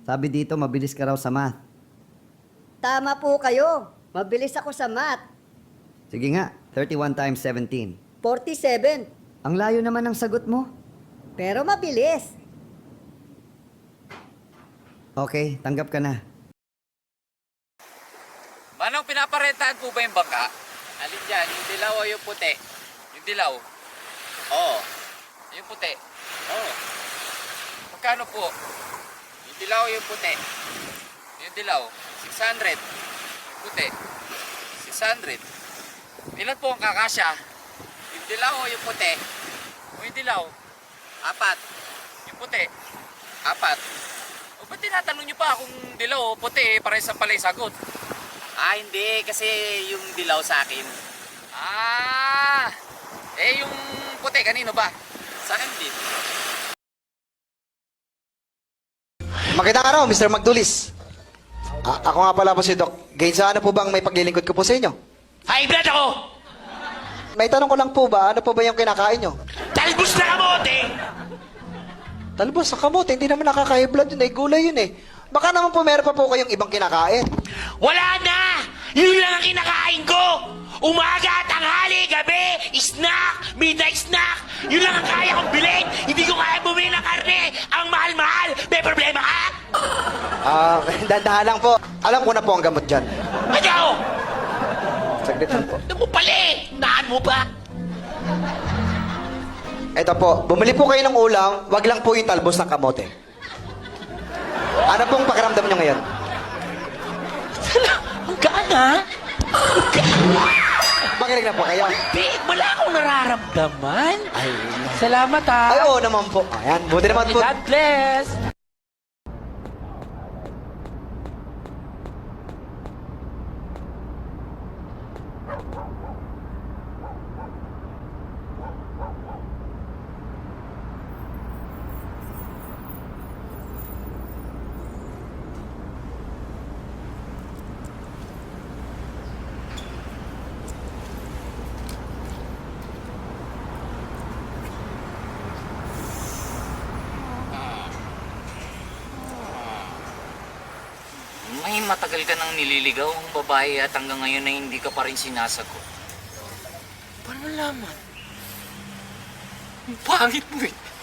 Sabi dito, mabilis ka raw sa math. Tama po kayo. Mabilis ako sa math. Sige nga, 31 times 17. 47. Ang layo naman ng sagot mo. Pero mabilis. Okay, tanggap ka na. Manong, pinaparentahan po ba yung bangka? Alin dyan? Yung dilaw o yung puti? Yung dilaw? Oo. Yung puti? Oo. Magkano po? Yung dilaw o yung puti? Yung dilaw? 600. Yung puti? 600. Ilan po ang kakasya? Yung dilaw o yung puti? O yung dilaw? 4. Yung puti? 4. O ba't tinatanong nyo pa kung dilaw o puti? Parehas ang pala yung sagot. Hindi. Kasi yung dilaw sa akin. Yung puti, kanino ba? Sa akin din. Magandang araw, Mr. Magdulis. Ako nga pala po si Doc. Gainsa, ano po bang may paglilingkod ko po sa inyo? High blood ako! May tanong ko lang po ba, ano po ba yung kinakain nyo? Talbos na kamote! Talbos sa kamote, hindi naman nakaka-high blood yun eh, gulay yun eh. Baka naman po meron pa po kayong ibang kinakain. Wala na! Yun lang ang kinakain ko! Umaga, tanghali, gabi, snack, midnight snack! Yun lang ang kaya kong bilhin! Hindi ko kaya bumili ng karne! Ang mahal-mahal! May problema ka? Dandahan lang po. Alam ko na po ang gamot dyan. Ano? Saglit lang po. Ano mo pala eh? Naan mo ba? Eto po, bumili po kayo ng ulam, wag lang po yung talbos ng kamote. Ano pong pakiramdam nyo ngayon? Ang gaan ha? Makinig na po kayo. Di, wala akong nararamdaman. Ay, Salamat ha. ay oo naman po. Ayan, buti naman po. God bless. May matagal ka nang nililigaw ang babae at hanggang ngayon ay hindi ka pa rin sinasagot. Paano malaman? Ang pangit mo eh.